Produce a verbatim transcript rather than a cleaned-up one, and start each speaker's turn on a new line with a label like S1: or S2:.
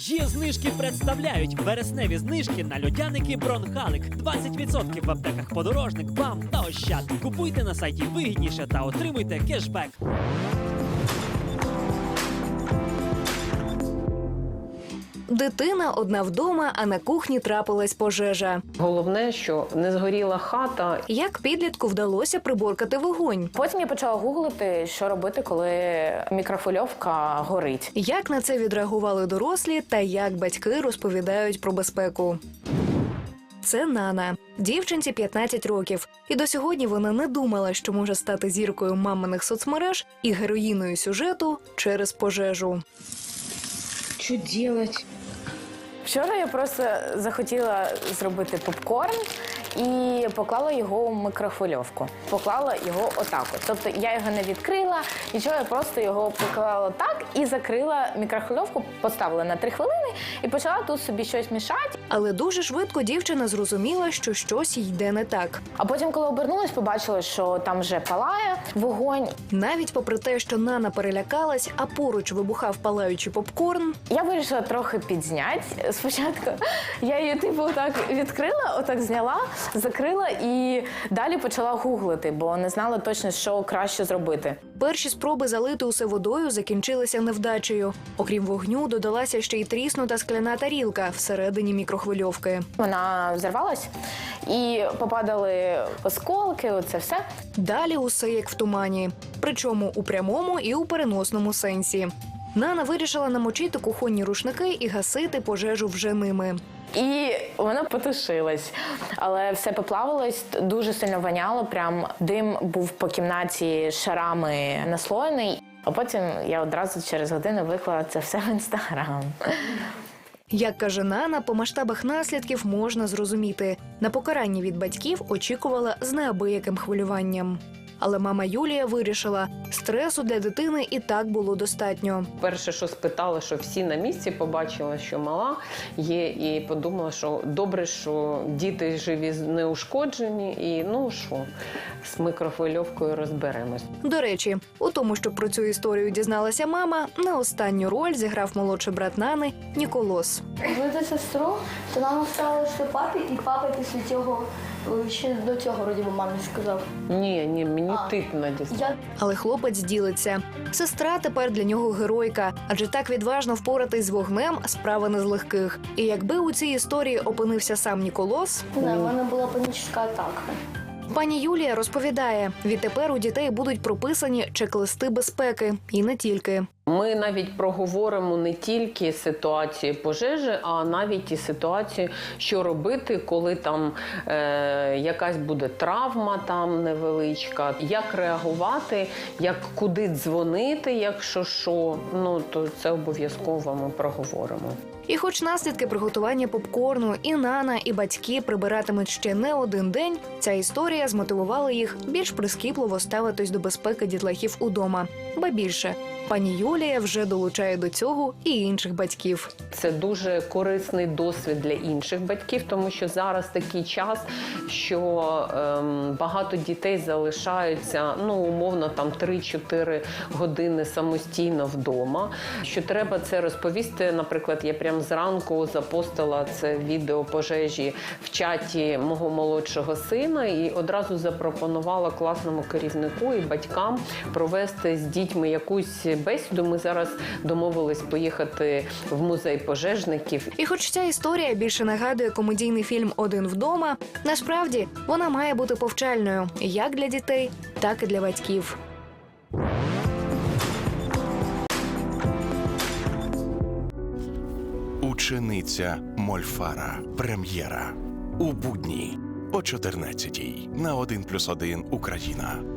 S1: Є знижки представляють вересневі знижки на льодяники Бронхалик. двадцять відсотків в аптеках Подорожник, БАМ та Ощад. Купуйте на сайті вигідніше та отримуйте кешбек.
S2: Дитина одна вдома, а на кухні трапилась пожежа.
S3: Головне, що не згоріла хата.
S2: Як підлітку вдалося приборкати вогонь?
S4: Потім я почала гуглити, що робити, коли мікрохвильовка горить.
S2: Як на це відреагували дорослі та як батьки розповідають про безпеку? Це Нана. Дівчинці п'ятнадцять років. І до сьогодні вона не думала, що може стати зіркою маминих соцмереж і героїною сюжету через пожежу.
S5: Что делать?
S4: Вчора я просто захотіла зробити попкорн і поклала його у мікрохвильовку. Поклала його отак от. Тобто я його не відкрила, нічого, я просто його поклала так і закрила мікрохвильовку, поставила на три хвилини і почала тут собі щось мішати.
S2: Але дуже швидко дівчина зрозуміла, що щось їй йде не так.
S4: А потім, коли обернулась, побачила, що там вже палає вогонь.
S2: Навіть попри те, що Нана перелякалась, а поруч вибухав палаючий попкорн,
S4: Я вирішила трохи підзняти. Спочатку я її типу отак відкрила, отак зняла, закрила і далі почала гуглити, бо не знала точно, що краще зробити.
S2: перші спроби залити усе водою закінчилися невдачею. Окрім вогню, додалася ще й тріснута скляна тарілка всередині мікрохвильовки.
S4: Вона взорвалась і попадали осколки, оце все.
S2: Далі усе як в тумані. Причому у прямому і у переносному сенсі. Нана вирішила намочити кухонні рушники і гасити пожежу вже ними.
S4: І вона потушилась, але все поплавилось, дуже сильно воняло, прям дим був по кімнаті шарами наслоєний. А потім я одразу через годину виклала це все в Інстаграм.
S2: Як каже Нана, по масштабах наслідків можна зрозуміти. На покарання від батьків очікувала з неабияким хвилюванням. Але мама Юлія вирішила, стресу для дитини і так було достатньо.
S3: Перше, що спитала, що всі на місці, побачила, що мала є, і подумала, що добре, що діти живі, неушкоджені, і ну що, з мікрохвильовкою розберемось.
S2: До речі, у тому, що про цю історію дізналася мама, не останню роль зіграв молодший брат Нани Ніколос.
S6: Звати сестру, то нам стало що папі, і папа після цього, ще до цього, вроді би, мамі сказав.
S3: Ні, ні, мені
S6: А,
S3: тип надіслав.
S6: Я
S2: Але хлопець ділиться. Сестра тепер для нього геройка, адже так відважно впоратись з вогнем – справа не з легких. І якби у цій історії опинився сам Ніколос,
S6: не знаю, в мене була панічна атака.
S2: пані Юлія розповідає, відтепер у дітей будуть прописані чек-листи безпеки. І не тільки.
S3: Ми навіть проговоримо не тільки ситуації пожежі, а навіть і ситуацію, що робити, коли там е, якась буде травма там невеличка, як реагувати, як куди дзвонити, якщо що. Ну, то це обов'язково ми проговоримо.
S2: І хоч наслідки приготування попкорну і Нана, і батьки прибиратимуть ще не один день, ця історія змотивувала їх більш прискіпливо ставитись до безпеки дітлахів удома. Ба більше, пані Юлія вже долучає до цього і інших батьків.
S3: Це дуже корисний досвід для інших батьків, тому що зараз такий час, що ем, багато дітей залишаються, ну, умовно, там три-чотири години самостійно вдома. Що треба це розповісти, наприклад, я прямо зранку запостила це відео пожежі в чаті мого молодшого сина і одразу запропонувала класному керівнику і батькам провести з дітьми якусь бесіду. Ми зараз домовились поїхати в музей пожежників.
S2: І хоч ця історія більше нагадує комедійний фільм «Один вдома», насправді вона має бути повчальною як для дітей, так і для батьків.
S7: Учениця Мольфара. Прем'єра. У будні о чотирнадцятій на один плюс один Україна.